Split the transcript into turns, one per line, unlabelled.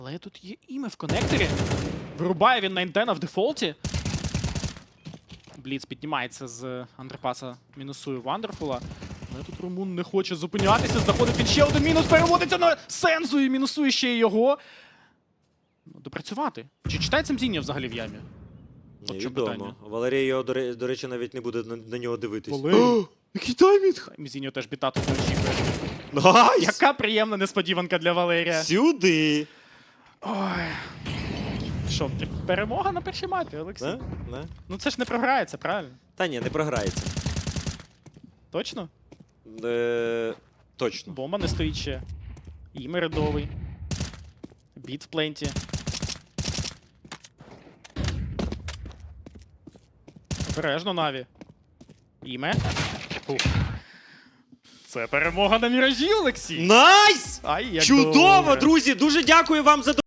Але тут є іме в коннекторі. Вирубає він Найнтена в дефолті. Бліц піднімається з андерпаса, мінусує Вандерфула. Але тут Румун не хоче зупинятися, знаходить він ще один мінус, переводиться на Сензу і мінусує ще й його. Допрацювати. Чи читається Мзіння взагалі в ямі? От що питання.
Невідомо. Валерій його, до речі, навіть не буде на нього дивитись.
Валерій.
Який таймінг!
Мзіньо теж біта тут не очікує.
Найс!
Яка приємна несподіванка для Валерія.
Сюди!
Ой. Що, перемога на першій мапі, Олексій?
Не?
Ну це ж не програється, правильно?
Та ні, не програється.
Точно?
Точно.
Бомба не стоїть ще. Іме рядовий. Біт в пленті. Обережно, Наві. Іме. Фух. Це перемога на Міражі, Олексій!
Найс!
Ай, як
Чудово,
добре.
друзі! Дуже дякую вам за